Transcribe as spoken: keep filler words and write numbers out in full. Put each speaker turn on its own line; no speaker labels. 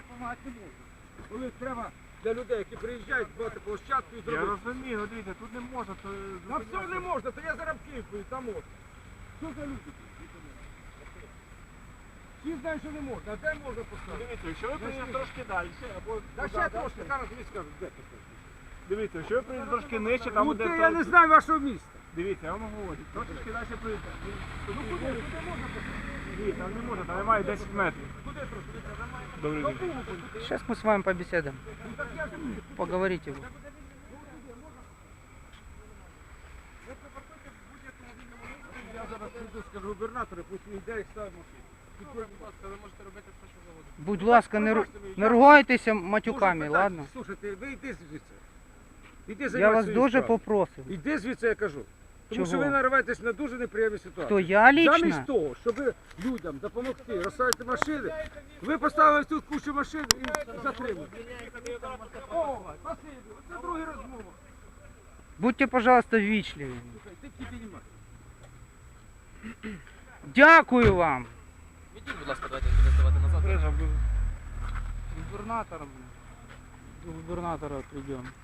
так допомагати не можна. Коли треба для людей, які приїжджають, збивати площадку і
Я
зробити.
розумію, ну дивіться, тут не можна, то...
На все не можна, то я зараз в Київ поїду, там можна. Що за люди? Всі знають, що не можна, а де можна поставити?
Дивіться, якщо ви приїдете трошки далі, або...
Та ще трошки, зараз тобі скажу, де ти.
Дивіться, якщо ви приїдете трошки нижче, там
Ну
буде...
ти, я не знаю вашого міста.
Дивіться, я вам говорю, трошки далі приїдете.
Ну куди, куди можна поставити?
Ні, там не можна, там немає десять метрів.
Куди трошки?
Добрий день.
Сейчас мы с вами побеседуем.
Ну так я ж
Поговорите вы.
Я зараз прийду, скажу губернатору, пусть він йде і ставить машину.
Будь ласка, ви можете робити все, що завгодно.
Будь ласка, не, ру- не ругайтеся матюками,
Можна
ладно?
питати? Слушайте, ви йди звідси. Іди
Я
займайся
вас
своєю
дуже
справою.
попросив.
Іди звідси, я кажу. Тому що
Чого?
ви нариваєтесь на дуже неприємні ситуації.
Хто, я лично?
Замість того, щоб людям допомогти розставити машини, ви поставили тут кучу машин і затримали. О, спасибі, це друга розмова.
Будьте, пожалуйста, ввічливі.
Слухай, ти тільки піднімай.
Дякую вам.
Відійдіть, будь ласка, давайте будемо здавати назад.
Губернатор. До губернатора придем.